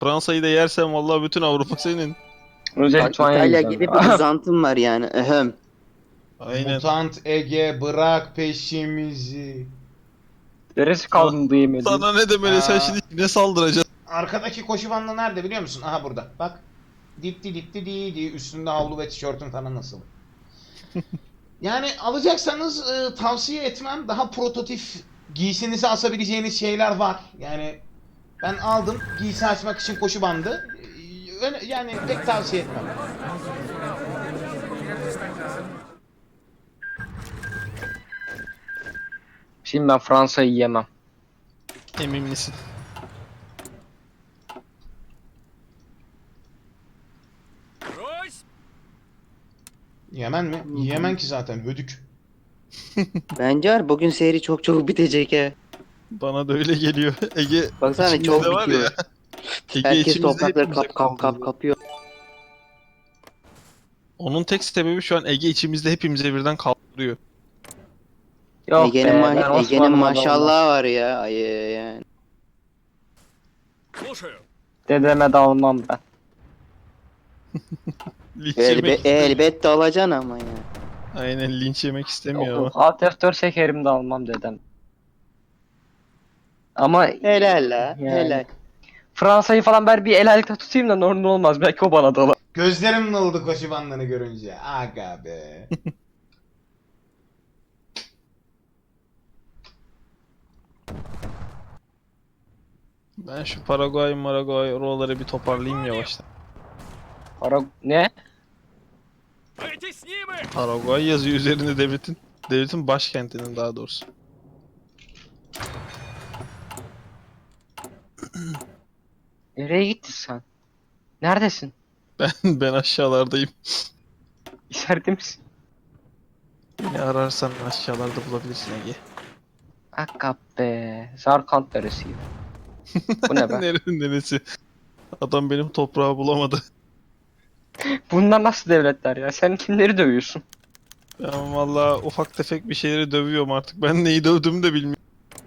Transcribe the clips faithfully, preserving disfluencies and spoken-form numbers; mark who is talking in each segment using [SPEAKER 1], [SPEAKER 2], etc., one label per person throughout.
[SPEAKER 1] Fransa'yı da yersen vallahi bütün Avrupa senin.
[SPEAKER 2] Önce
[SPEAKER 3] Bak
[SPEAKER 2] Litvanya
[SPEAKER 3] İtalya
[SPEAKER 2] yiyeceğim.
[SPEAKER 3] gibi bir uzantım var yani. Ehem.
[SPEAKER 1] Aynen.
[SPEAKER 4] Mutant Ege bırak peşimizi.
[SPEAKER 2] Neresi
[SPEAKER 1] Sana,
[SPEAKER 2] kaldı yemediğim?
[SPEAKER 1] sana ne demeli, sen
[SPEAKER 4] Aa,
[SPEAKER 1] şimdi ne saldıracaksın?
[SPEAKER 4] arkadaki koşu bandı nerede biliyor musun? Aha burada. Bak. Dipti dipti di di üstünde havlu ve tişörtün falan nasıl? Yani alacaksanız e, tavsiye etmem. Daha prototip giysinizi asabileceğiniz şeyler var. Yani ben aldım giysi açmak için koşu bandı. E, öne- Yani pek tavsiye etmem.
[SPEAKER 2] Şimdi ben Fransa'yı yemem.
[SPEAKER 1] Emin misin?
[SPEAKER 4] Yemen mi? Yemen ki zaten hödük.
[SPEAKER 3] Bence var bugün seri çok çok bitecek he.
[SPEAKER 1] Bana da öyle geliyor. Ege
[SPEAKER 3] Baksana
[SPEAKER 1] içimizde
[SPEAKER 3] çok
[SPEAKER 1] var ya.
[SPEAKER 3] bitiyor.
[SPEAKER 1] Ege
[SPEAKER 3] Herkes
[SPEAKER 1] içimizde
[SPEAKER 3] toprakları
[SPEAKER 1] hepimize
[SPEAKER 3] kap kap kap
[SPEAKER 1] kaldırdı.
[SPEAKER 3] kapıyor.
[SPEAKER 1] Onun tek sebebi şu an Ege içimizde hepimize birden kaldırıyor.
[SPEAKER 2] Yok
[SPEAKER 3] Ege'nin
[SPEAKER 2] be,
[SPEAKER 3] ma
[SPEAKER 2] ben
[SPEAKER 3] Ege'nin
[SPEAKER 2] Osmanlı'ma da olmam.
[SPEAKER 3] maşallahı var ya. Ay, yani.
[SPEAKER 2] Dedeme de almam ben.
[SPEAKER 1] Linç
[SPEAKER 3] Elbe
[SPEAKER 1] yemek istemiyor.
[SPEAKER 3] elbette alacaksın ama ya.
[SPEAKER 1] Aynen, linç yemek istemiyor
[SPEAKER 2] Yok,
[SPEAKER 1] ama.
[SPEAKER 2] Alt F dört şekerim de almam dedem. Ama
[SPEAKER 3] Helal la.
[SPEAKER 2] yani
[SPEAKER 3] Helal.
[SPEAKER 2] Fransa'yı falan ben bir el ayakta tutayım da normal olmaz. Belki o bana da alır.
[SPEAKER 4] Gözlerim nıldı koşu bandını görünce. Aga be.
[SPEAKER 1] Ben şu Paraguay, Maraguay oraları bir toparlayayım yavaştan.
[SPEAKER 2] Para ne?
[SPEAKER 1] Paraguay yazıyor üzerinde devletin. Devletin başkentinin daha doğrusu.
[SPEAKER 2] Nereye gittin sen? Neredesin?
[SPEAKER 1] Ben ben aşağılardayım.
[SPEAKER 2] İçeride misin?
[SPEAKER 1] Beni ararsan aşağılarda bulabilirsin Ege.
[SPEAKER 2] Akka be. Zarkant neresiydi? Bu ne be?
[SPEAKER 1] Nerenin neresi? Adam benim toprağı bulamadı.
[SPEAKER 2] Bunlar nasıl devletler ya? Sen kimleri dövüyorsun?
[SPEAKER 1] Ben valla ufak tefek bir şeyleri dövüyorum artık. Ben neyi dövdüğümü de bilmiyorum.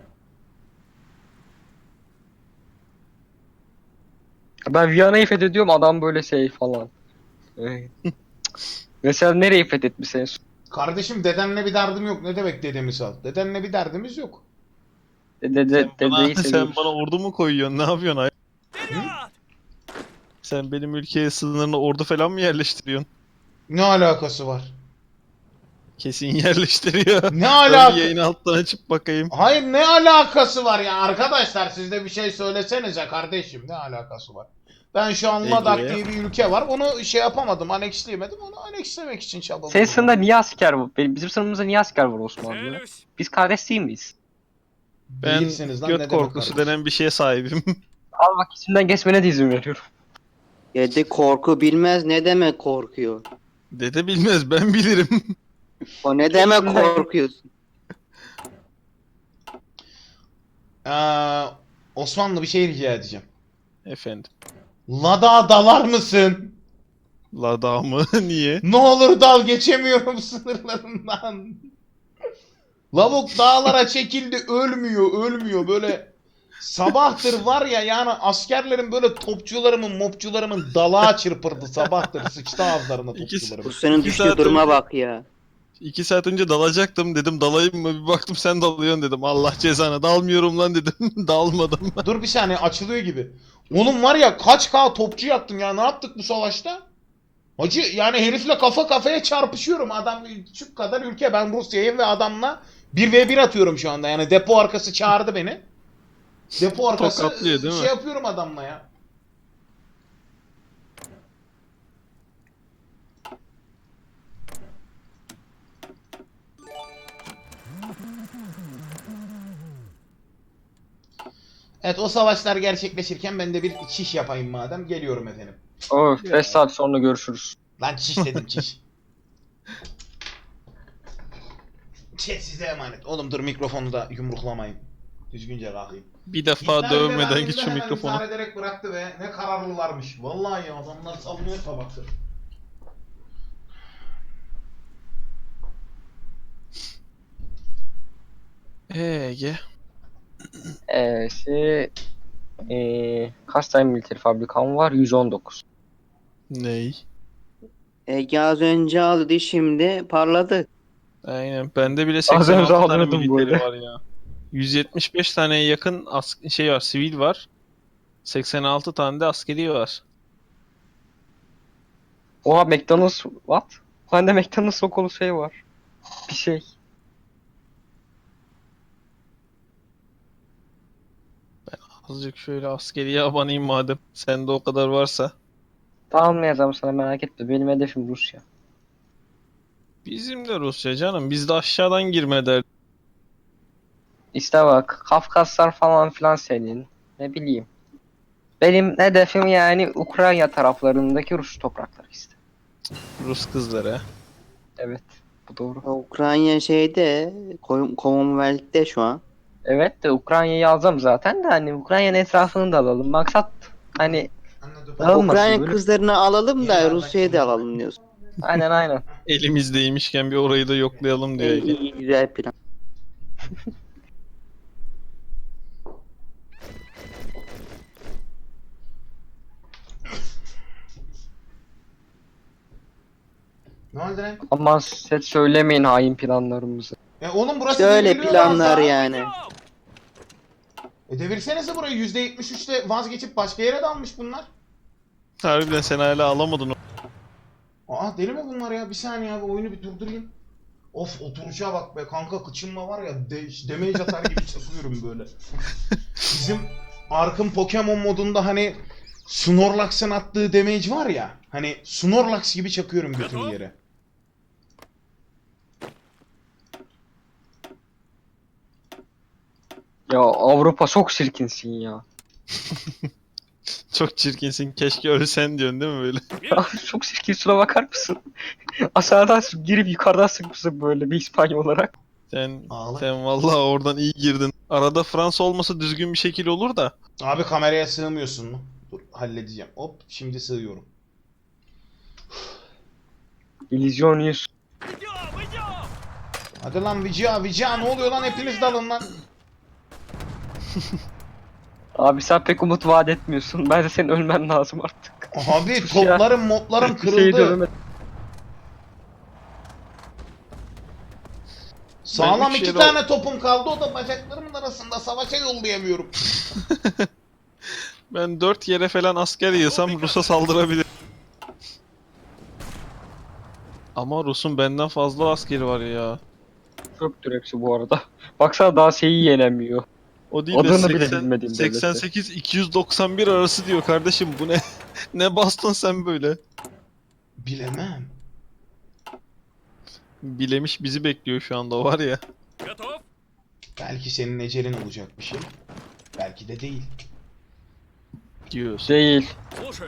[SPEAKER 2] Ben Viyana'yı fethediyorum, adam böyle şey falan. Evet. Mesela nereyi fethetmiş en son?
[SPEAKER 4] Kardeşim dedenle bir derdim yok. Ne demek dedemiz al? Dedenle bir derdimiz yok.
[SPEAKER 2] Dede,
[SPEAKER 1] Sen
[SPEAKER 2] de,
[SPEAKER 1] bana,
[SPEAKER 2] dedeyi
[SPEAKER 1] sen
[SPEAKER 2] seviyoruz.
[SPEAKER 1] bana ordu mu koyuyorsun? Ne yapıyorsun ay?
[SPEAKER 4] Hı?
[SPEAKER 1] Sen benim ülkeye sınırına ordu falan mı yerleştiriyorsun?
[SPEAKER 4] Ne alakası var?
[SPEAKER 1] Kesin yerleştiriyor.
[SPEAKER 4] Ne
[SPEAKER 1] Ben bir
[SPEAKER 4] alaka?
[SPEAKER 1] yayını alttan açıp bakayım.
[SPEAKER 4] Hayır ne alakası var ya arkadaşlar siz de bir şey söylesenize kardeşim ne alakası var? Ben şu an Ladakh
[SPEAKER 1] Ege.
[SPEAKER 4] diye bir ülke var onu şey yapamadım aneksleyemedim onu anekslemek için çabaladım.
[SPEAKER 2] Senin sınırda niye asker var? Benim, bizim sınırımızda niye asker var Osmanlı? Biz kardeş değil miyiz?
[SPEAKER 1] Ben
[SPEAKER 4] Değilsiniz lan,
[SPEAKER 1] göt
[SPEAKER 4] ne demek
[SPEAKER 1] korkusu
[SPEAKER 4] kardeşim?
[SPEAKER 1] denen bir şeye sahibim.
[SPEAKER 2] Al bak, içimden geçmene de izin veriyorum.
[SPEAKER 3] Dede korku bilmez ne demek korkuyor.
[SPEAKER 1] Dede bilmez, ben bilirim.
[SPEAKER 3] O ne demek
[SPEAKER 2] İçimden-
[SPEAKER 3] korkuyorsun?
[SPEAKER 4] Ee, Osmanlı bir şey rica edeceğim.
[SPEAKER 1] Efendim.
[SPEAKER 4] Ladak'a dalar mısın?
[SPEAKER 1] Lada mı? Niye?
[SPEAKER 4] Ne olur dal geçemiyorum sınırlarından. Lavuk dağlara çekildi ölmüyor ölmüyor böyle sabahtır var ya yani askerlerin böyle topçularımın mopçularımın dalağa çırpırdı sabahtır sıçtı ağızlarına
[SPEAKER 1] İkisi-
[SPEAKER 4] topçularım.
[SPEAKER 3] Bu senin
[SPEAKER 1] İki
[SPEAKER 3] düştüğü
[SPEAKER 1] saat
[SPEAKER 3] duruma
[SPEAKER 1] önce-
[SPEAKER 3] bak ya.
[SPEAKER 1] İki saat önce dalacaktım, dedim dalayım mı? Bir baktım sen dalıyorsun dedim. Allah cezanı, dalmıyorum lan dedim. Dalmadım.
[SPEAKER 4] Dur bir saniye açılıyor gibi. Oğlum var ya kaç K topçu yaktım ya ne yaptık bu savaşta? Hacı yani herifle kafa kafaya çarpışıyorum adam küçük kadar ülke ben Rusya'yım ve adamla bir ve bir atıyorum şu anda yani depo arkası çağırdı beni. Depo arkası
[SPEAKER 1] Tokatlıyor, değil
[SPEAKER 4] şey
[SPEAKER 1] mi?
[SPEAKER 4] yapıyorum adamla ya. Evet o savaşlar gerçekleşirken ben de bir çiş yapayım madem. Geliyorum efendim.
[SPEAKER 2] Oh, beş saat sonra görüşürüz.
[SPEAKER 4] Lan çiş dedim çiş. Chat size emanet. Oğlum dur mikrofonu da yumruklamayın. Düzgünce kalkayım.
[SPEAKER 1] Bir defa
[SPEAKER 4] İptal
[SPEAKER 1] dövmeden
[SPEAKER 4] edemediğimde
[SPEAKER 1] git şu
[SPEAKER 4] hemen
[SPEAKER 1] mikrofonu.
[SPEAKER 4] intihar ederek bıraktı ve ne kararlılarmış. Vallahi ya adamlar savunuyor tabaktır.
[SPEAKER 1] Ee, Ege.
[SPEAKER 2] Ee, şey... Ee, kaç tane militer fabrikam var? yüz on dokuz.
[SPEAKER 1] Ney?
[SPEAKER 3] Ege az önce aldı şimdi parladı.
[SPEAKER 1] Aynen. Bende bile
[SPEAKER 2] Az
[SPEAKER 1] seksen
[SPEAKER 2] önce
[SPEAKER 1] altı tane
[SPEAKER 2] alıyordum
[SPEAKER 1] militeri
[SPEAKER 2] böyle.
[SPEAKER 1] var ya. yüz yetmiş beş taneye yakın as şey var, sivil var. seksen altı tane de askeri var.
[SPEAKER 2] Oha McDonald's what? Bende McDonald's okulu şey var. Bir şey.
[SPEAKER 1] Azıcık şöyle askeriye abanayım madem. Sende o kadar varsa.
[SPEAKER 2] Almayacağım sana merak etme. Benim hedefim Rusya.
[SPEAKER 1] Bizim de Rusya canım. Biz de aşağıdan girme der.
[SPEAKER 2] İşte bak Kafkaslar falan filan senin. Ne bileyim. Benim hedefim yani Ukrayna taraflarındaki Rus toprakları işte.
[SPEAKER 1] Rus kızları.
[SPEAKER 2] Evet. Bu doğru.
[SPEAKER 3] Ukrayna şeyde Ko- Commonwealth'te şu an.
[SPEAKER 2] Evet de Ukrayna'yı alacağım zaten de hani Ukrayna'nın etrafını da alalım. Maksat hani
[SPEAKER 4] Anladım.
[SPEAKER 2] Almasın
[SPEAKER 3] Ukrayna
[SPEAKER 2] böyle.
[SPEAKER 3] kızlarını alalım da
[SPEAKER 4] Yeni
[SPEAKER 3] Rusya'yı da
[SPEAKER 4] anlaşıldı.
[SPEAKER 3] alalım diyorsun.
[SPEAKER 2] aynen aynen.
[SPEAKER 1] Elimizdeymişken bir orayı da yoklayalım diyor.
[SPEAKER 3] İyi, iyi güzel plan.
[SPEAKER 4] Ne oldu lan?
[SPEAKER 2] Aman size söylemeyin hain planlarımızı.
[SPEAKER 4] E oğlum burası
[SPEAKER 3] İşte öyle
[SPEAKER 4] devriliyor lan
[SPEAKER 3] planlar
[SPEAKER 4] daha.
[SPEAKER 3] yani.
[SPEAKER 4] E devirsenize burayı yüzde yetmiş üçte vazgeçip başka yere dalmış bunlar.
[SPEAKER 1] Harbiden sen hala alamadın o.
[SPEAKER 4] Aa deli mi bunlar ya? Bir saniye abi oyunu bir durdurayım. Of oturuşa bak be kanka kıçınma var ya de damage atar gibi çakıyorum böyle. Bizim Ark'ın Pokemon modunda hani Snorlax'ın attığı damage var ya. Hani Snorlax gibi çakıyorum bütün yere.
[SPEAKER 2] Ya Avrupa çok çirkinsin ya.
[SPEAKER 1] Çok çirkinsin. Keşke ölsen diyorsun değil mi böyle?
[SPEAKER 2] Çok çirkin şuna bakar mısın? Aşağıdan girip yukarıdan sıkmışsın böyle bir İspanya olarak.
[SPEAKER 1] Sen
[SPEAKER 4] Ağla.
[SPEAKER 1] sen vallahi oradan iyi girdin. Arada Fransa olmasa düzgün bir şekil olur da.
[SPEAKER 4] Abi kameraya sığmıyorsun mu? Dur halledeceğim. Hop şimdi sığıyorum.
[SPEAKER 2] İllüzyonist.
[SPEAKER 4] Hadi lan Vicia Vicia ne oluyor lan hepiniz dalın lan.
[SPEAKER 2] Abi sen pek umut vaat etmiyorsun. Bence senin ölmen lazım artık.
[SPEAKER 4] Abi
[SPEAKER 2] Sus ya.
[SPEAKER 4] toplarım modlarım
[SPEAKER 2] Bir şey
[SPEAKER 4] kırıldı.
[SPEAKER 2] döveme-
[SPEAKER 4] Sağlam
[SPEAKER 1] Ben üç
[SPEAKER 4] iki
[SPEAKER 1] yere-
[SPEAKER 4] tane topum kaldı o da bacaklarımın arasında savaşa yollayamıyorum.
[SPEAKER 1] Ben dört yere falan asker yığsam Rus'a saldırabilir. Ama Rus'un benden fazla askeri var ya.
[SPEAKER 2] Çöptür hepsi bu arada. Baksana daha şeyi yenemiyor.
[SPEAKER 1] O değil de
[SPEAKER 2] Adını bile
[SPEAKER 1] seksen
[SPEAKER 2] bilmediğim devlette.
[SPEAKER 1] seksen sekiz iki yüz doksan bir arası diyor kardeşim bu ne? Ne bastın sen böyle?
[SPEAKER 4] Bilemem.
[SPEAKER 1] Bilemiş bizi bekliyor şu anda o var ya.
[SPEAKER 4] Belki senin ecelin olacak bir şey. Belki de değil.
[SPEAKER 1] Diyorsun.
[SPEAKER 2] Değil.
[SPEAKER 5] Слушаю.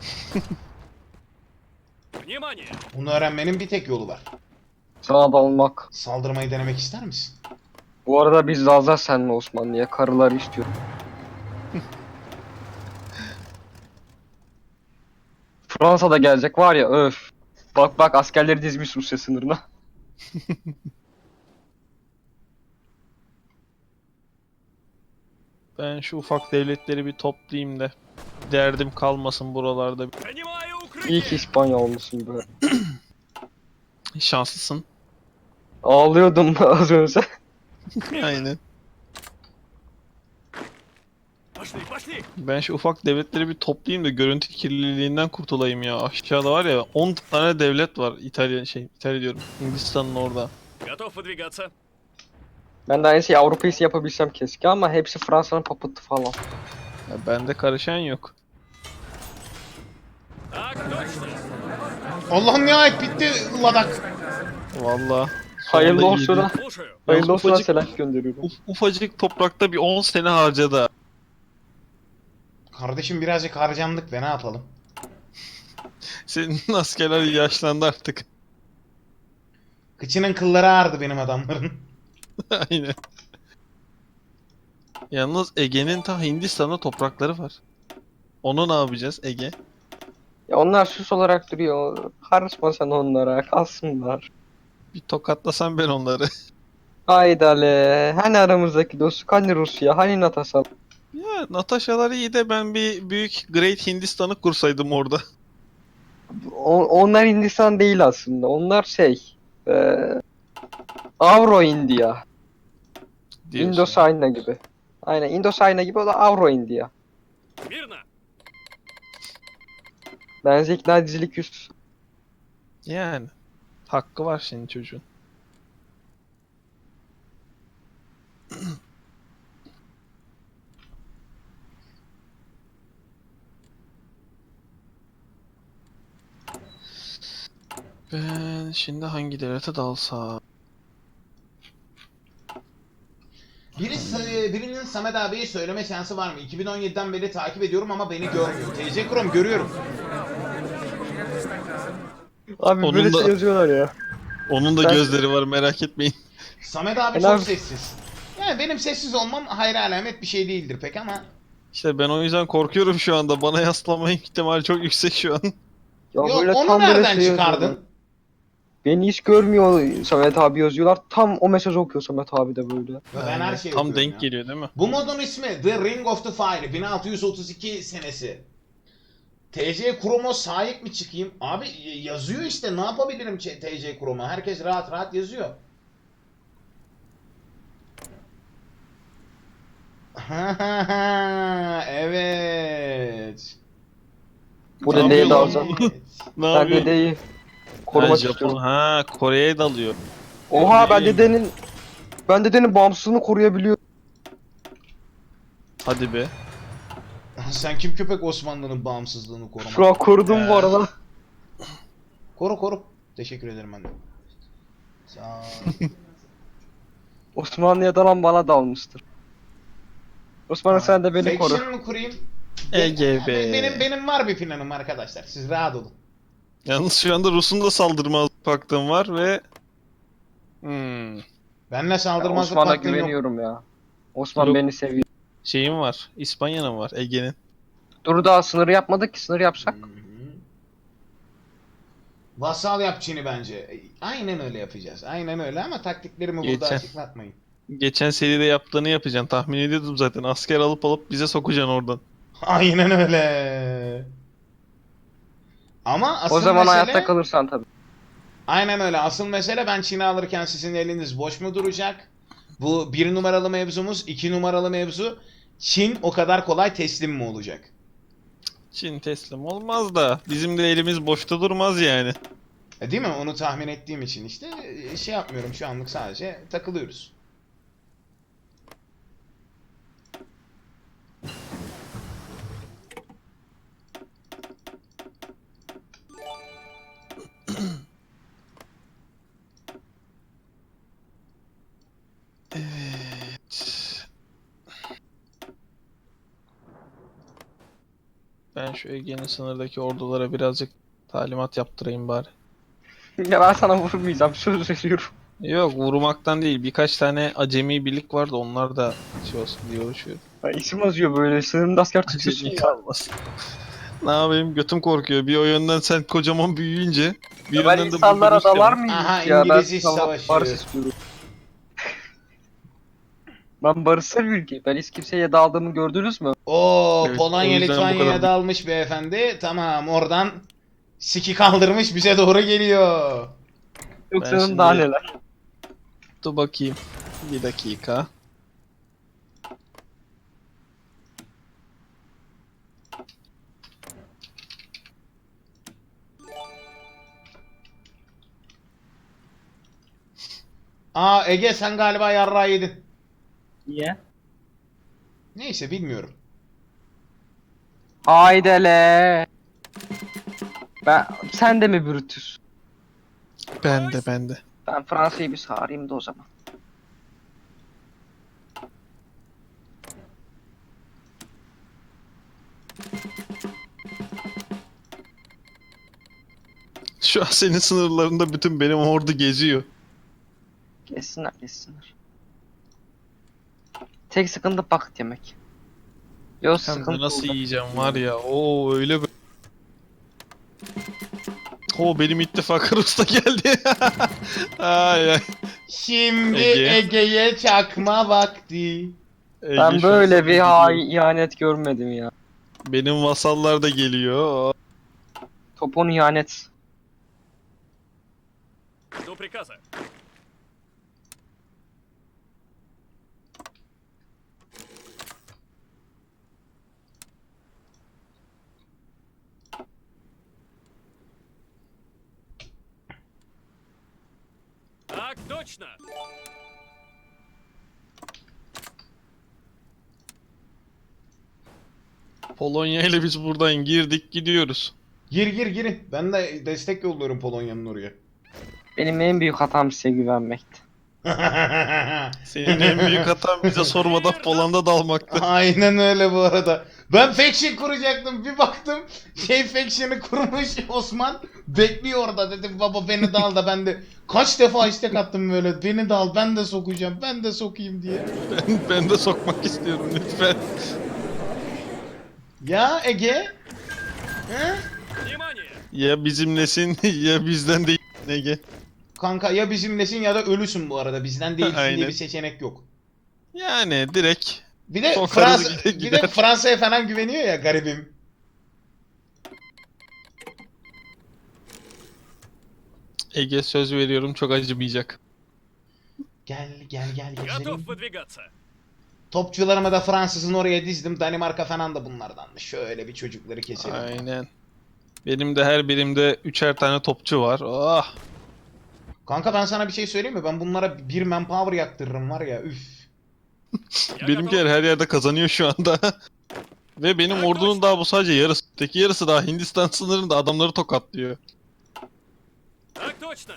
[SPEAKER 5] Внимание!
[SPEAKER 4] Bunu öğrenmenin bir tek yolu var.
[SPEAKER 2] Sana dalmak.
[SPEAKER 4] Saldırmayı denemek ister misin?
[SPEAKER 2] Bu arada biz lazlar senle Osmanlı'ya. Karıları istiyorum. Fransa da gelecek var ya öf. Bak bak askerleri dizmiş Rusya sınırına.
[SPEAKER 1] Ben şu ufak devletleri bir toplayayım da derdim kalmasın buralarda.
[SPEAKER 5] Занимаю
[SPEAKER 2] İyi ki
[SPEAKER 5] укрытие!
[SPEAKER 2] İspanya olmuşsun böyle.
[SPEAKER 1] Şanslısın.
[SPEAKER 2] Ağlıyordum az önce.
[SPEAKER 1] Aynen.
[SPEAKER 5] Пошли, пошли!
[SPEAKER 1] Ben şu ufak devletleri bir toplayayım da görüntü kirliliğinden kurtulayım ya. Aşağıda var ya on tane devlet var. İtalya şey İtalya diyorum. Hindistan'ın orada.
[SPEAKER 5] Готов выдвигаться.
[SPEAKER 2] Ben de aynı şeyi Avrupa ise yapabilsem keşke ama hepsi Fransa'nın papıtı falan.
[SPEAKER 1] Ya bende karışan yok.
[SPEAKER 5] Так точно!
[SPEAKER 4] Allah'ım nihayet bitti Ladak.
[SPEAKER 1] Vallahi.
[SPEAKER 2] Hayırlı
[SPEAKER 1] sonunda
[SPEAKER 2] olsun
[SPEAKER 1] iyiydi.
[SPEAKER 2] ha.
[SPEAKER 5] Слушаю.
[SPEAKER 2] Hayırlı olsun ha
[SPEAKER 1] ufacık-
[SPEAKER 2] selam gönderiyorum.
[SPEAKER 1] Uf, ufacık toprakta bir on sene harcadı.
[SPEAKER 4] Kardeşim birazcık harcandık ve ne yapalım?
[SPEAKER 1] Senin askerler yaşlandı artık.
[SPEAKER 4] Kıçının kılları ağrıdı benim adamların.
[SPEAKER 1] Aynen. Yalnız Ege'nin ta Hindistan'da toprakları var. Onu ne yapacağız Ege?
[SPEAKER 2] Ya onlar süs olarak duruyor. Karışma sen onlara. Kalsınlar.
[SPEAKER 1] Bir tokatlasam ben onları.
[SPEAKER 2] Haydale. Hani aramızdaki dostluk? Hani Rusya? Hani NATO?
[SPEAKER 1] Ya Natasha'lar iyi de ben bir büyük Great Hindistan'ı kursaydım orada.
[SPEAKER 2] O- onlar Hindistan değil aslında. Onlar şey. eee Avro India.
[SPEAKER 1] Diyorsun.
[SPEAKER 2] Indosayna gibi. Aynen Indosayna gibi, o da Avro India.
[SPEAKER 5] Мирно!
[SPEAKER 2] Bence ikna edicilik üst.
[SPEAKER 1] Yani. Hakkı var şimdi çocuğun. Ben şimdi hangi devlete dalsam?
[SPEAKER 4] Biri, birinin Samet abiye söyleme şansı var mı? iki bin on yediden beri takip ediyorum ama beni görmüyor. T C Chrome görüyorum.
[SPEAKER 2] Abi
[SPEAKER 1] Onun
[SPEAKER 2] böyle
[SPEAKER 1] da-
[SPEAKER 2] şey yazıyorlar ya.
[SPEAKER 1] Onun da
[SPEAKER 2] Ben-
[SPEAKER 1] gözleri var, merak etmeyin.
[SPEAKER 4] Samet abi
[SPEAKER 2] Ben
[SPEAKER 4] çok
[SPEAKER 2] abi-
[SPEAKER 4] sessiz. Yani benim sessiz olmam hayra alamet bir şey değildir pek ama.
[SPEAKER 1] İşte ben o yüzden korkuyorum şu anda. Bana yaslama ihtimali çok yüksek şu an.
[SPEAKER 2] Ya
[SPEAKER 4] Yok
[SPEAKER 2] böyle
[SPEAKER 4] onu
[SPEAKER 2] tam böyle
[SPEAKER 4] nereden
[SPEAKER 2] şey
[SPEAKER 4] çıkardın?
[SPEAKER 2] yazıyorlar. Beni hiç görmüyor Samet abi yazıyorlar. Tam o mesajı okuyor Samet abi de böyle.
[SPEAKER 4] Ya ben her şeyi
[SPEAKER 1] Tam
[SPEAKER 4] okuyorum
[SPEAKER 1] denk
[SPEAKER 4] ya.
[SPEAKER 1] geliyor değil mi?
[SPEAKER 4] Bu modun ismi The Ring of the Fire. bin altı yüz otuz iki senesi. T C Chrome'a sahip mi çıkayım? Abi y- yazıyor işte, ne yapabilirim Ç- T C Chrome'a? Herkes rahat rahat yazıyor. Evet.
[SPEAKER 2] Bu
[SPEAKER 1] Ne
[SPEAKER 2] dedeye de
[SPEAKER 1] yapıyor
[SPEAKER 2] alacağım.
[SPEAKER 1] lan? Ne
[SPEAKER 2] Ben
[SPEAKER 1] yapıyor?
[SPEAKER 2] dedeyi
[SPEAKER 1] Ha,
[SPEAKER 2] korumak
[SPEAKER 1] Japon.
[SPEAKER 2] istiyorum.
[SPEAKER 1] Ha, Kore'ye dalıyor.
[SPEAKER 2] Oha ben
[SPEAKER 1] Bileyim.
[SPEAKER 2] dedenin ben dedenin bağımsızlığını koruyabiliyorum.
[SPEAKER 1] Hadi be.
[SPEAKER 4] Sen kim köpek Osmanlı'nın bağımsızlığını korumak?
[SPEAKER 2] Şu an korudum bu arada.
[SPEAKER 4] Koru koru. Teşekkür ederim ben de. Sağ ol.
[SPEAKER 2] Osmanlı'ya dalan bana dalmıştır. Osmanlı sen de beni koru.
[SPEAKER 4] Faction mı kurayım?
[SPEAKER 1] Ege be.
[SPEAKER 4] Benim benim var bir planım arkadaşlar. Siz rahat olun.
[SPEAKER 1] Yalnız şu anda Rus'un da saldırmaz paktım var ve... Hmm.
[SPEAKER 4] Benle
[SPEAKER 2] Ben
[SPEAKER 4] saldırmazlık
[SPEAKER 2] Osman'a
[SPEAKER 4] paktın yok.
[SPEAKER 2] güveniyorum ya. Osman
[SPEAKER 1] Yok.
[SPEAKER 2] beni seviyor.
[SPEAKER 1] Şeyim var. İspanya'nın var. Ege'nin.
[SPEAKER 2] Dur daha sınırı yapmadık ki, sınır yapsak.
[SPEAKER 4] Hı hı. Vasal yap Çin'i bence. Aynen öyle yapacağız. Aynen öyle ama taktiklerimi burada
[SPEAKER 1] Geçen.
[SPEAKER 4] açıklatmayın.
[SPEAKER 1] Geçen seride yaptığını yapacaksın. Tahmin ediyordum zaten. Asker alıp alıp bize sokacaksın oradan.
[SPEAKER 4] Aynen öyle. Ama asıl
[SPEAKER 2] O zaman
[SPEAKER 4] mesele...
[SPEAKER 2] hayatta kalırsan tabii.
[SPEAKER 4] Aynen öyle. Asıl mesele, ben Çin'i alırken sizin eliniz boş mu duracak? Bu bir numaralı mevzumuz. iki numaralı mevzu. Çin o kadar kolay teslim mi olacak?
[SPEAKER 1] Çin teslim olmaz da bizim de elimiz boşta durmaz yani.
[SPEAKER 4] E, değil mi? Onu tahmin ettiğim için işte e, şey yapmıyorum şu anlık, sadece takılıyoruz.
[SPEAKER 1] Evet. Ben şu Ege'nin sınırdaki ordulara birazcık talimat yaptırayım bari.
[SPEAKER 2] Ya ben sana vurmayacağım, söz veriyorum.
[SPEAKER 1] Yok, vurmaktan değil. Birkaç tane acemi birlik vardı. Onlar da şey olsun diye uğraşıyorum.
[SPEAKER 2] Ya isim yazıyor böyle, sınırında asker tutuyorsun
[SPEAKER 1] Acemi
[SPEAKER 2] ya.
[SPEAKER 1] kalmasın. Ne yapayım? Götüm korkuyor. Bir o yönden sen kocaman büyüyünce, bir
[SPEAKER 2] Ya ben
[SPEAKER 1] yönden de
[SPEAKER 2] insanlara
[SPEAKER 1] burada
[SPEAKER 2] dalar
[SPEAKER 1] Rusya.
[SPEAKER 2] mıyım
[SPEAKER 4] Aha,
[SPEAKER 2] ya? Ben
[SPEAKER 4] İngiliz iş
[SPEAKER 2] sana
[SPEAKER 4] savaşı.
[SPEAKER 2] barış istiyorum. Ben barışsız bir ülke. Ben hiç kimseye daldığımı gördünüz mü?
[SPEAKER 4] Oo,
[SPEAKER 1] Evet,
[SPEAKER 4] Polonya
[SPEAKER 1] o yüzden bu
[SPEAKER 4] Litvanya'ya
[SPEAKER 1] kadar-
[SPEAKER 4] dalmış beyefendi. Tamam, oradan siki kaldırmış bize doğru geliyor.
[SPEAKER 2] Yoksa
[SPEAKER 1] Ben
[SPEAKER 2] onun
[SPEAKER 1] şimdi-
[SPEAKER 2] daha neler.
[SPEAKER 1] Dur bakayım. Bir dakika.
[SPEAKER 4] Aa, Ege sen galiba yarrağı yedin.
[SPEAKER 2] Niye?
[SPEAKER 4] Neyse, bilmiyorum.
[SPEAKER 2] Haydele. Ben, sen de mi Brutus?
[SPEAKER 1] Ben de ben de.
[SPEAKER 2] Ben Fransa'yı bir sarayım da o zaman.
[SPEAKER 1] Şu an senin sınırlarında bütün benim ordu geziyor.
[SPEAKER 2] Geçsinler, geçsinler. Tek sıkıntı paket yemek. Yok
[SPEAKER 1] Hem de
[SPEAKER 2] sıkıntı
[SPEAKER 1] nasıl
[SPEAKER 2] olacak.
[SPEAKER 1] yiyeceğim var ya. Oo öyle bir... Oo benim ittifak Rus'ta geldi. Ay ay.
[SPEAKER 4] Şimdi
[SPEAKER 1] Ege.
[SPEAKER 4] Ege'ye çakma vakti.
[SPEAKER 1] Ege
[SPEAKER 2] Ben
[SPEAKER 1] şu
[SPEAKER 2] böyle
[SPEAKER 1] an
[SPEAKER 2] bir ha ihanet görmedim ya.
[SPEAKER 1] Benim vasallar da geliyor.
[SPEAKER 2] Topon ihanet.
[SPEAKER 5] До приказа. Так точно.
[SPEAKER 1] Polonya ile biz buradan girdik gidiyoruz.
[SPEAKER 4] Gir gir girin. Ben de destek yolluyorum Polonya'nın oraya.
[SPEAKER 2] Benim en büyük hatam size güvenmekti.
[SPEAKER 1] Senin en büyük hatan bize sormadan Poland'a dalmaktı.
[SPEAKER 4] Aynen öyle bu arada. Ben faction kuracaktım. Bir baktım şey faction'ı kurmuş Osman. Bekliyor orada, dedim baba beni de al da ben de kaç defa istek attım böyle. Beni de al, ben de sokacağım. Ben de sokayım diye.
[SPEAKER 1] Ben, ben de sokmak istiyorum lütfen.
[SPEAKER 4] Ya Ege? He?
[SPEAKER 5] Внимание.
[SPEAKER 1] Ya bizimlesin ya bizden değil Ege.
[SPEAKER 4] Kanka ya bizimlesin ya da ölüsün bu arada. Bizden değilsin diye
[SPEAKER 1] Aynen.
[SPEAKER 4] bir seçenek yok.
[SPEAKER 1] Yani direkt
[SPEAKER 4] Bir de
[SPEAKER 1] Sokarız
[SPEAKER 4] Fransa
[SPEAKER 1] gider
[SPEAKER 4] bir de
[SPEAKER 1] gider.
[SPEAKER 4] Fransa'ya falan güveniyor ya garibim.
[SPEAKER 1] Ege söz veriyorum çok acımayacak.
[SPEAKER 4] Gel gel gel
[SPEAKER 5] Готов
[SPEAKER 4] gezelim.
[SPEAKER 5] выдвигаться.
[SPEAKER 4] Topçularımı da Fransız'ın oraya dizdim. Danimarka falan da bunlardanmış. Şöyle bir çocukları keselim.
[SPEAKER 1] Aynen. Benim de her birimde üçer tane topçu var. Ah.
[SPEAKER 4] Kanka ben sana bir şey söyleyeyim mi? Ben bunlara bir manpower yaktırırım var ya. Üf.
[SPEAKER 5] Я
[SPEAKER 1] Benimkiler
[SPEAKER 5] готов.
[SPEAKER 1] her yerde kazanıyor şu anda. Ve benim ordunun daha bu sadece yarısı. Öteki yarısı daha Hindistan sınırında adamları tokatlıyor.
[SPEAKER 5] Так точно.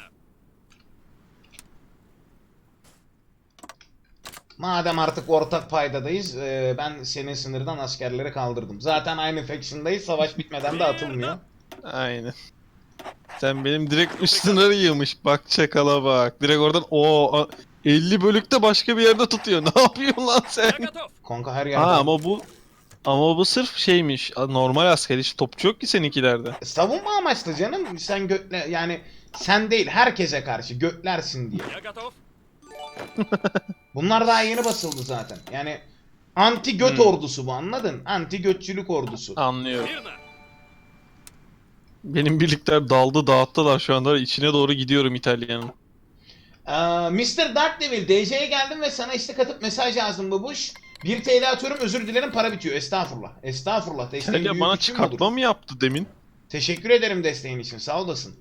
[SPEAKER 4] Madem artık ortak paydadayız, e, ben senin sınırdan askerleri kaldırdım. Zaten aynı faction'dayız. Savaş bitmeden de atılmıyor.
[SPEAKER 1] Aynen. Sen benim direkt üst sınırı yığmış. Bak çakala bak. Direkt oradan o elli bölükte başka bir yerde tutuyor. Ne yapıyorsun lan sen?
[SPEAKER 5] Я готов.
[SPEAKER 4] Kanka her yerde.
[SPEAKER 1] Ha ama bu ama bu sırf şeymiş. Normal asker hiç topçu yok ki seninkilerde.
[SPEAKER 4] Savunma amaçlı canım. Sen götle yani sen değil herkese karşı götlersin diye.
[SPEAKER 5] Я готов.
[SPEAKER 4] Bunlar daha yeni basıldı zaten. Yani anti göt
[SPEAKER 1] Hmm.
[SPEAKER 4] ordusu bu, anladın? Anti götçülük ordusu.
[SPEAKER 1] Anlıyorum.
[SPEAKER 5] Мирно.
[SPEAKER 1] Benim birlikler daldı dağıttılar şu anda. İçine doğru gidiyorum İtalya'nın.
[SPEAKER 4] Ee, mister Darkdevil, D C'ye geldim ve sana istek atıp mesaj yazdım babuş. bir T L atıyorum, özür dilerim, para bitiyor. Estağfurullah. Estağfurullah. Desteğin
[SPEAKER 1] İtalya
[SPEAKER 4] büyük
[SPEAKER 1] bana
[SPEAKER 4] gücüm
[SPEAKER 1] çıkartma
[SPEAKER 4] olur.
[SPEAKER 1] mı yaptı demin?
[SPEAKER 4] Teşekkür ederim desteğin için. Sağ olasın.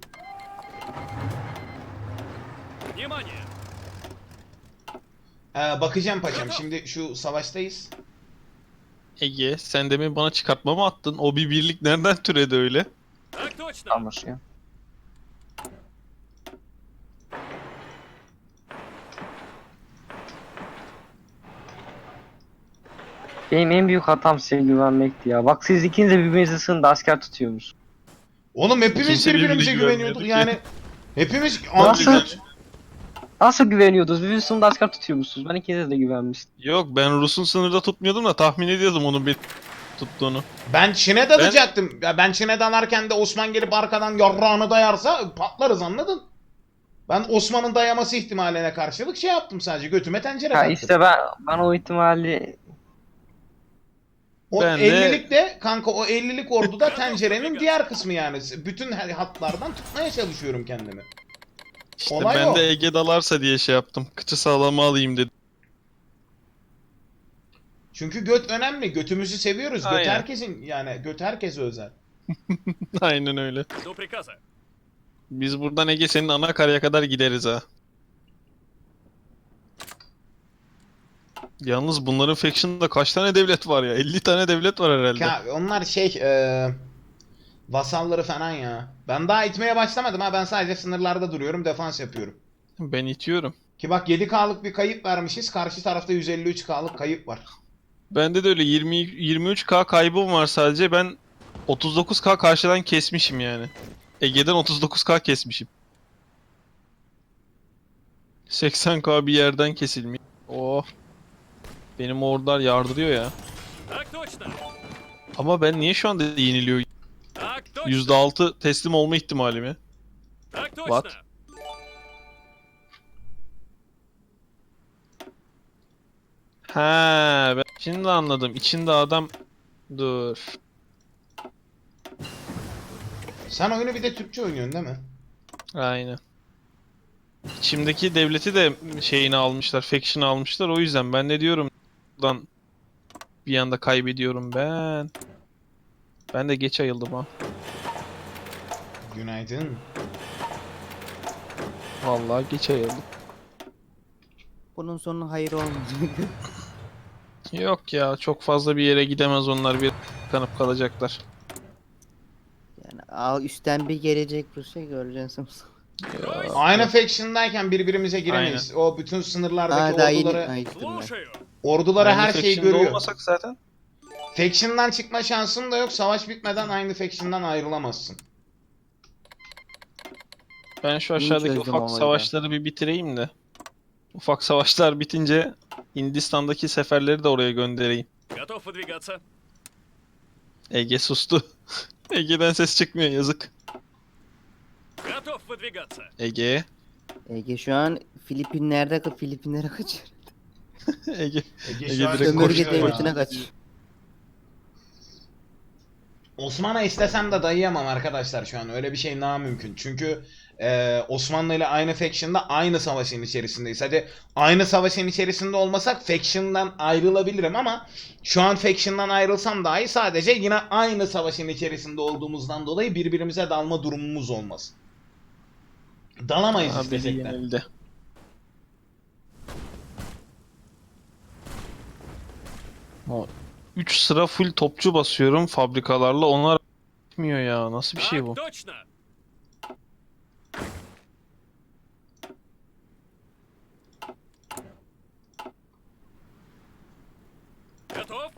[SPEAKER 5] Внимание.
[SPEAKER 4] Ee, bakacağım paçam. Şimdi şu savaştayız.
[SPEAKER 1] Ege sen demin bana çıkartma mı attın? O bir birlik nereden türedi öyle?
[SPEAKER 5] Так точно.
[SPEAKER 2] Anlaşıyor. Benim en büyük hatam size güvenmekti ya. Bak siz ikiniz de birbirinizi sınırda asker tutuyormuş.
[SPEAKER 4] Oğlum hepimiz
[SPEAKER 1] Kimse
[SPEAKER 4] birbirimize
[SPEAKER 1] birbirine
[SPEAKER 4] güveniyorduk.
[SPEAKER 1] güvenmiyordu
[SPEAKER 4] Yani hepimiz anti
[SPEAKER 2] Nasıl?
[SPEAKER 4] göt.
[SPEAKER 2] Nasıl güveniyordunuz? Birbirinizi sınırda asker tutuyormuşsunuz. Ben ikinize de güvenmiştim.
[SPEAKER 1] Yok ben Rus'un sınırda tutmuyordum da tahmin ediyordum onun bir tuttuğunu.
[SPEAKER 4] Ben Çin'e dalacaktım. Ya ben Çin'e dalarken de Osman gelip arkadan yarrağını dayarsa patlarız, anladın? Ben Osman'ın dayaması ihtimaline karşılık şey yaptım, sadece götüme tencere
[SPEAKER 2] Ha
[SPEAKER 4] taktım.
[SPEAKER 2] işte ben bana o ihtimali
[SPEAKER 4] O
[SPEAKER 1] Ben de-
[SPEAKER 4] ellilik de kanka, o ellilik orduda tencerenin diğer kısmı yani. Bütün her hatlardan tutmaya çalışıyorum kendimi.
[SPEAKER 1] İşte
[SPEAKER 4] Olay
[SPEAKER 1] ben
[SPEAKER 4] o.
[SPEAKER 1] de Ege dalarsa diye şey yaptım. Kıçı sağlama alayım dedim.
[SPEAKER 4] Çünkü göt önemli. Götümüzü seviyoruz. Göt
[SPEAKER 1] Aynen.
[SPEAKER 4] herkesin, yani göt herkese özel.
[SPEAKER 1] Aynen öyle.
[SPEAKER 5] До приказа.
[SPEAKER 1] Biz buradan Ege senin ana karaya kadar gideriz ha. Yalnız bunların faction'da kaç tane devlet var ya? elli tane devlet var herhalde.
[SPEAKER 4] Ya onlar şey e, vasalları falan ya. Ben daha itmeye başlamadım ha. Ben sadece sınırlarda duruyorum. Defans yapıyorum.
[SPEAKER 1] Ben itiyorum.
[SPEAKER 4] Ki bak yedi K'lık bir kayıp vermişiz. Karşı tarafta yüz elli üç K'lık kayıp var.
[SPEAKER 1] Bende de öyle yirmi yirmi üç K kaybım var sadece. Ben otuz dokuz K karşıdan kesmişim yani. Ege'den otuz dokuz K kesmişim. seksen K bir yerden kesilmiş. Oh. Benim ordular yardırıyor ya.
[SPEAKER 5] Так точно.
[SPEAKER 1] Ama ben niye şu anda yeniliyor?
[SPEAKER 5] Так точно.
[SPEAKER 1] yüzde altı teslim olma ihtimalimi.
[SPEAKER 5] Так точно.
[SPEAKER 1] What? Ha, ben şimdi anladım. İçinde adam... Dur.
[SPEAKER 4] Sen oyunu bir de Türkçe oynuyorsun değil mi?
[SPEAKER 1] Aynen. İçimdeki devleti de şeyini almışlar, faction'ı almışlar. O yüzden ben de diyorum lan bir anda kaybediyorum ben. Ben de geç ayıldım ha.
[SPEAKER 4] Günaydın.
[SPEAKER 1] Vallahi geç ayıldım.
[SPEAKER 3] Bunun sonu hayır olmayacak.
[SPEAKER 1] Yok ya, çok fazla bir yere gidemez onlar, bir kanıp kalacaklar.
[SPEAKER 3] Yani al üstten bir gelecek Rusya göreceksin.
[SPEAKER 1] Ya,
[SPEAKER 4] Aynı faction'dayken birbirimize giremeyiz. O bütün sınırlardaki
[SPEAKER 3] Aa daha yeni
[SPEAKER 4] orduları,
[SPEAKER 3] Ay, gittim ben.
[SPEAKER 5] Слушаю.
[SPEAKER 4] orduları
[SPEAKER 1] aynı
[SPEAKER 4] her şeyi
[SPEAKER 1] faction'da
[SPEAKER 4] görüyor.
[SPEAKER 1] olmasak zaten.
[SPEAKER 4] Faction'dan çıkma şansın da yok. Savaş bitmeden aynı faction'dan ayrılamazsın.
[SPEAKER 1] Ben şu
[SPEAKER 3] Yeni
[SPEAKER 1] aşağıdaki
[SPEAKER 3] çözdüm
[SPEAKER 1] ufak
[SPEAKER 3] olayı da.
[SPEAKER 1] savaşları bir bitireyim de. Ufak savaşlar bitince Hindistan'daki seferleri de oraya göndereyim.
[SPEAKER 5] Готов выдвигаться.
[SPEAKER 1] Ege sustu. Ege'den ses çıkmıyor, yazık.
[SPEAKER 5] Готов выдвигаться.
[SPEAKER 1] Ege.
[SPEAKER 3] Ege şu an Filipinler'de Filipinlere kaçıyor.
[SPEAKER 1] Ege.
[SPEAKER 4] Ege
[SPEAKER 1] Ege
[SPEAKER 4] şu an
[SPEAKER 1] direkt
[SPEAKER 3] Sömürge
[SPEAKER 4] koşuyor ya.
[SPEAKER 3] devletine kaçıyor.
[SPEAKER 4] Osman'a istesem de dayayamam arkadaşlar şu an. Öyle bir şey namümkün. Çünkü e, Osmanlı ile aynı faction'da aynı savaşın içerisindeyiz. Hadi aynı savaşın içerisinde olmasak faction'dan ayrılabilirim ama şu an faction'dan ayrılsam dahi sadece yine aynı savaşın içerisinde olduğumuzdan dolayı birbirimize dalma durumumuz olmaz. Dalamayız
[SPEAKER 1] Abi
[SPEAKER 4] istesek de.
[SPEAKER 1] yenildi. O üç sıra full topçu basıyorum fabrikalarla, onlar bitmiyor ya. Nasıl bir şey
[SPEAKER 5] Так
[SPEAKER 1] bu?
[SPEAKER 5] точно. Готов?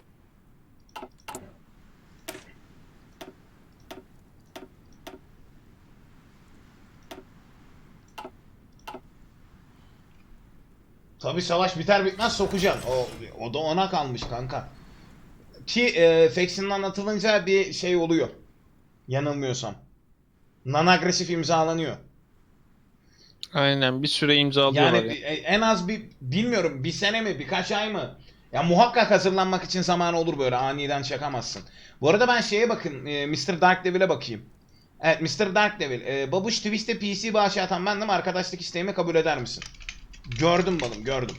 [SPEAKER 4] Tabii savaş biter bitmez sokacaksın. O, o da ona kalmış kanka. Ki e, faction'dan atılınca bir şey oluyor. Yanılmıyorsam. Non-agresif imzalanıyor.
[SPEAKER 1] Aynen, bir süre imzalıyorlar
[SPEAKER 4] Yani
[SPEAKER 1] ya.
[SPEAKER 4] bir- e, en az bir bilmiyorum bir sene mi birkaç ay mı? Ya muhakkak hazırlanmak için zaman olur, böyle aniden çakamazsın. Bu arada ben şeye bakın, e, mister Dark Devil'e bakayım. Evet, mister Dark Devil. E, Babuş Twist'e P C bağışı atan bendim. Arkadaşlık isteğimi kabul eder misin? Gördüm balım, gördüm.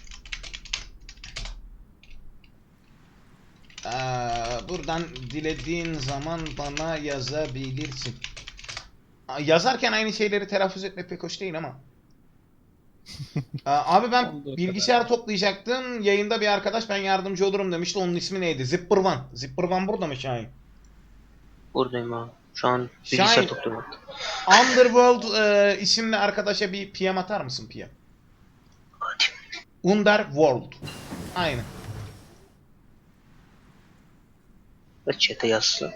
[SPEAKER 4] Ee, buradan dilediğin zaman bana yazabilirsin. Aa, yazarken aynı şeyleri telaffuz etmek pek hoş değil ama. Ee, abi ben
[SPEAKER 1] Olduğu
[SPEAKER 4] bilgisayar toplayacaktım. Yayında bir arkadaş ben yardımcı olurum demişti. Onun ismi neydi? Zipper One. Zipper One burada mı Şahin?
[SPEAKER 2] Buradayım abi. Şu an
[SPEAKER 4] Şahin.
[SPEAKER 2] bilgisayar topluyorum.
[SPEAKER 4] Underworld e, isimli arkadaşa bir P M atar mısın P M? Underworld. Aynen.
[SPEAKER 2] Ve chat'e yazsın.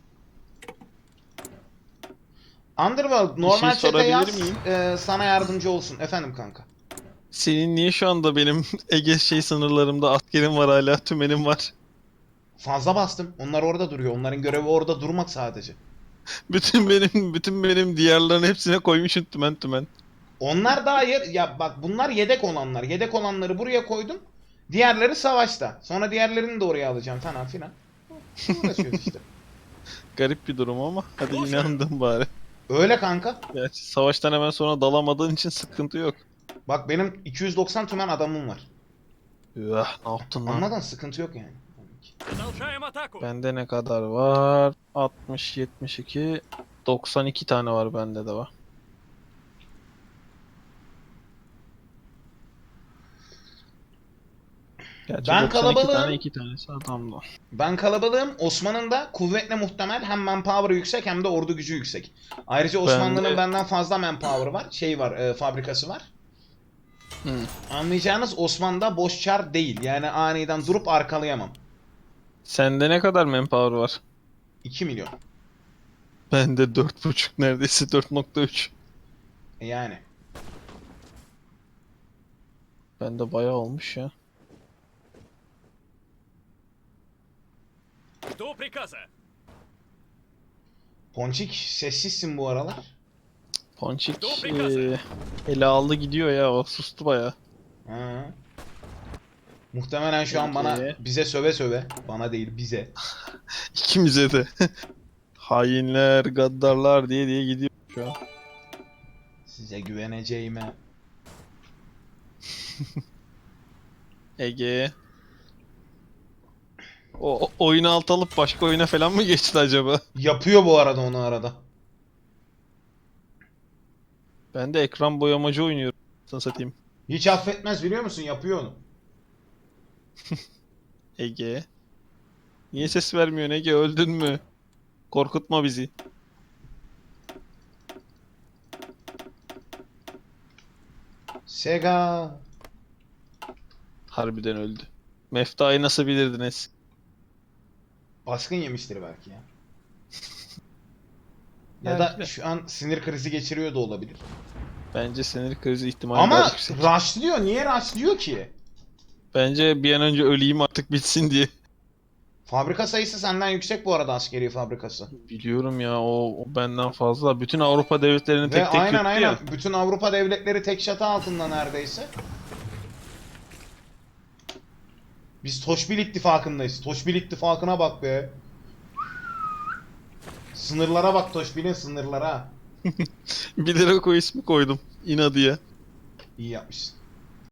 [SPEAKER 4] Underworld normal
[SPEAKER 1] şey
[SPEAKER 4] chat'e
[SPEAKER 1] sorabilir
[SPEAKER 4] yaz.
[SPEAKER 1] miyim?
[SPEAKER 4] e, sana yardımcı olsun. Efendim kanka.
[SPEAKER 1] Senin niye şu anda benim Ege şey sınırlarımda askerim var, hala tümenim var.
[SPEAKER 4] Fazla bastım. Onlar orada duruyor. Onların görevi orada durmak sadece.
[SPEAKER 1] Bütün benim bütün benim diğerlerin hepsine koymuşum tümen tümen.
[SPEAKER 4] Onlar daha yer... Ya bak bunlar yedek olanlar. Yedek olanları buraya koydum. Diğerleri savaşta. Sonra diğerlerini de oraya alacağım falan filan. Uğraşıyoruz işte.
[SPEAKER 1] Garip bir durum ama hadi inandım bari.
[SPEAKER 4] Öyle kanka.
[SPEAKER 1] Gerçi savaştan hemen sonra dalamadığın için sıkıntı yok.
[SPEAKER 4] Bak benim iki yüz doksan tümen adamım var.
[SPEAKER 1] Üah, ne yaptın lan?
[SPEAKER 4] Anladın? Sıkıntı yok yani.
[SPEAKER 5] Продолжаем атаку.
[SPEAKER 1] Bende ne kadar var? altmış, yetmiş iki, doksan iki tane var, bende de var. Gerçi
[SPEAKER 4] Ben
[SPEAKER 1] doksan iki
[SPEAKER 4] kalabalığım.
[SPEAKER 1] tane, iki tanesi adamda.
[SPEAKER 4] Ben kalabalığım. Osman'ın da kuvvetle muhtemel hem manpower yüksek hem de ordu gücü yüksek. Ayrıca Osmanlı'nın
[SPEAKER 1] de-
[SPEAKER 4] benden fazla manpower var. Şey var, e, fabrikası var.
[SPEAKER 1] Hı.
[SPEAKER 4] Anlayacağınız Osman'da boş çar değil. Yani aniden durup arkalayamam.
[SPEAKER 1] Sende ne kadar manpower var?
[SPEAKER 4] iki milyon.
[SPEAKER 1] Bende dört buçuk, neredeyse dört nokta üç.
[SPEAKER 4] E Yani.
[SPEAKER 1] Bende bayağı olmuş ya.
[SPEAKER 5] Жду приказа.
[SPEAKER 4] Ponçik sessizsin bu aralar.
[SPEAKER 1] Ponçik
[SPEAKER 5] Dur, prikazı.
[SPEAKER 1] eee, ele aldı gidiyor ya, o sustu bayağı.
[SPEAKER 4] Ha. Muhtemelen şu an bana
[SPEAKER 1] Peki.
[SPEAKER 4] bize söve söve. Bana değil bize.
[SPEAKER 1] İkimize de. Hainler, gaddarlar diye diye gidiyor şu an.
[SPEAKER 4] Size güveneceğime.
[SPEAKER 1] Ege. O o- oyunu alt alıp başka oyuna falan mı geçti acaba?
[SPEAKER 4] Yapıyor bu arada onu arada.
[SPEAKER 1] Ben de ekran boyamacı oynuyorum. Sana satayım.
[SPEAKER 4] Hiç affetmez biliyor musun? Yapıyor onu.
[SPEAKER 1] Ege. Niye ses vermiyorsun Ege? Öldün mü? Korkutma bizi.
[SPEAKER 4] Sega.
[SPEAKER 1] Harbiden öldü. Mefta'yı nasıl bilirdiniz?
[SPEAKER 4] Baskın yemiştir belki ya. Ya
[SPEAKER 1] Belki
[SPEAKER 4] da
[SPEAKER 1] de.
[SPEAKER 4] şu an sinir krizi geçiriyor da olabilir.
[SPEAKER 1] Bence sinir krizi ihtimali daha
[SPEAKER 4] Ama
[SPEAKER 1] yüksek.
[SPEAKER 4] rushlıyor. Niye rushlıyor ki?
[SPEAKER 1] Bence bir an önce öleyim artık bitsin diye.
[SPEAKER 4] Fabrika sayısı senden yüksek bu arada, askeri fabrikası.
[SPEAKER 1] Biliyorum ya o, o benden fazla. Bütün Avrupa devletlerini
[SPEAKER 4] Ve
[SPEAKER 1] tek tek
[SPEAKER 4] aynen
[SPEAKER 1] yuttu
[SPEAKER 4] aynen
[SPEAKER 1] ya.
[SPEAKER 4] bütün Avrupa devletleri tek çatı altında neredeyse. Biz Toşbil ittifakındayız. Toşbil ittifakına bak be. Sınırlara bak, Toşbil'in sınırlara.
[SPEAKER 1] Bilerek o ismi koydum. İnadıya.
[SPEAKER 4] İyi yapmışsın.